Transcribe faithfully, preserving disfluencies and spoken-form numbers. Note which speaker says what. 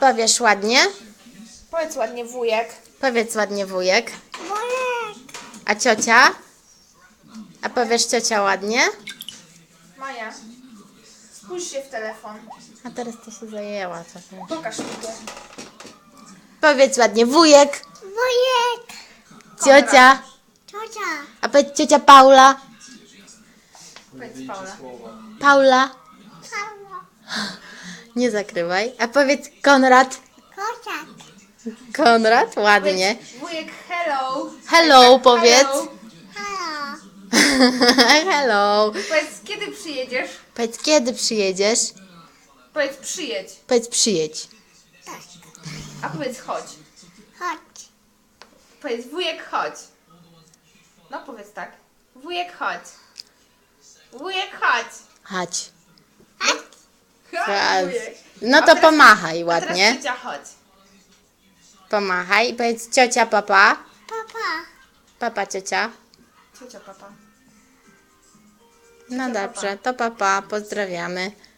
Speaker 1: powiesz ładnie?
Speaker 2: Powiedz ładnie wujek.
Speaker 1: Powiedz ładnie wujek.
Speaker 3: Wujek.
Speaker 1: A ciocia? A powiesz ciocia ładnie?
Speaker 2: Maja, spójrz się w telefon.
Speaker 1: A teraz to się zajęła trochę.
Speaker 2: Pokaż mi go.
Speaker 1: Powiedz ładnie wujek.
Speaker 3: Wujek.
Speaker 1: Ciocia.
Speaker 3: Ciocia.
Speaker 1: A powiedz ciocia Paula.
Speaker 2: Powiedz Paula.
Speaker 1: Paula.
Speaker 3: Paweł.
Speaker 1: Nie zakrywaj. A powiedz Konrad.
Speaker 3: Kociak.
Speaker 1: Konrad, ładnie.
Speaker 2: Powiedz wujek hello.
Speaker 1: Hello, powiedz.
Speaker 2: Hello.
Speaker 3: Halo.
Speaker 1: Hello.
Speaker 2: Powiedz kiedy przyjedziesz.
Speaker 1: Powiedz kiedy przyjedziesz.
Speaker 2: Powiedz przyjedź.
Speaker 1: Powiedz przyjedź.
Speaker 3: Tak.
Speaker 2: A powiedz chodź.
Speaker 3: Chodź.
Speaker 2: Powiedz wujek chodź. No powiedz tak. Wujek chodź. Wujek chodź.
Speaker 1: Chodź.
Speaker 2: Chodź, wujek.
Speaker 1: No
Speaker 2: A
Speaker 1: to
Speaker 2: teraz-
Speaker 1: pomachaj
Speaker 2: A teraz
Speaker 1: ładnie.
Speaker 2: ciocia chodź.
Speaker 1: Pomachaj. Powiedz ciocia papa.
Speaker 3: Papa.
Speaker 1: Papa ciocia.
Speaker 2: Ciocia papa.
Speaker 1: No
Speaker 2: Ciocia,
Speaker 1: dobrze, to papa. Pozdrawiamy.